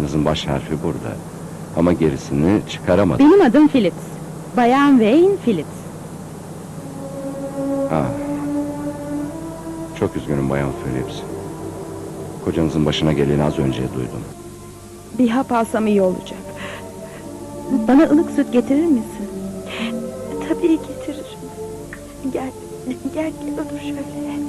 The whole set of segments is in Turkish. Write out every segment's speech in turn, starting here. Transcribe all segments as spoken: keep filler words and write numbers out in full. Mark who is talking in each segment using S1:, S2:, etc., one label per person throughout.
S1: adınızın baş harfi burada. Ama gerisini çıkaramadım.
S2: Benim adım Phillips. Bayan Wayne Phillips.
S1: Ah. Çok üzgünüm Bayan Phillips. Kocanızın başına geleni az önce duydum.
S2: Bir hap alsam iyi olacak. Bana ılık süt getirir misin?
S3: Tabii getiririm. Gel, gel, gel otur şöyle.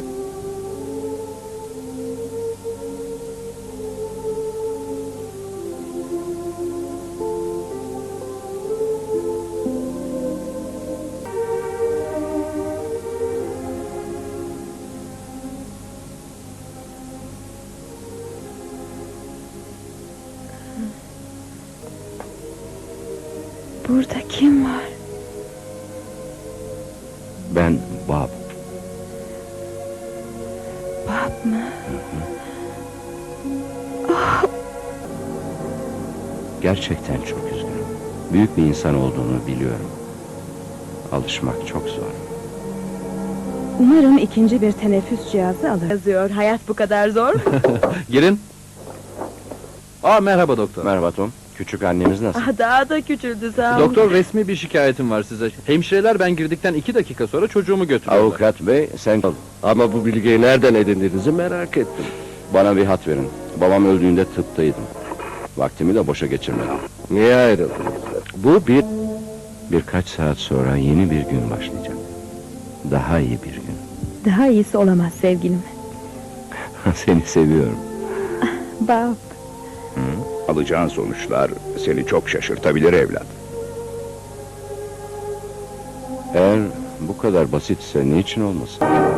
S2: Burada kim var?
S1: Ben Bob.
S2: Bob mı?
S1: Gerçekten çok üzgünüm. Büyük bir insan olduğunu biliyorum. Alışmak çok zor.
S2: Umarım ikinci bir teneffüs cihazı alır.
S3: Yazıyor, hayat bu kadar zor mu?
S4: Girin. Aa, merhaba doktor.
S1: Merhaba Tom. Küçük annemiz nasıl?
S3: Ah, daha da küçüldü sağ ol.
S4: Doktor, resmi bir şikayetim var size. Hemşireler ben girdikten iki dakika sonra çocuğumu götürüyorlar.
S1: Avukat bey, sen
S5: Ama bu bilgiyi nereden edindiğinizi merak ettim.
S1: bana bir hat verin. Babam öldüğünde tıptaydım. Vaktimi de boşa geçirmedim.
S5: Niye ayrıldınız? Bu bir...
S1: Birkaç saat sonra yeni bir gün başlayacak. Daha iyi bir gün.
S2: Daha iyisi olamaz sevgilim.
S1: Seni seviyorum.
S2: Bob.
S6: Alacağın sonuçlar seni çok şaşırtabilir evlat.
S1: Eğer bu kadar basitse niçin olmasın?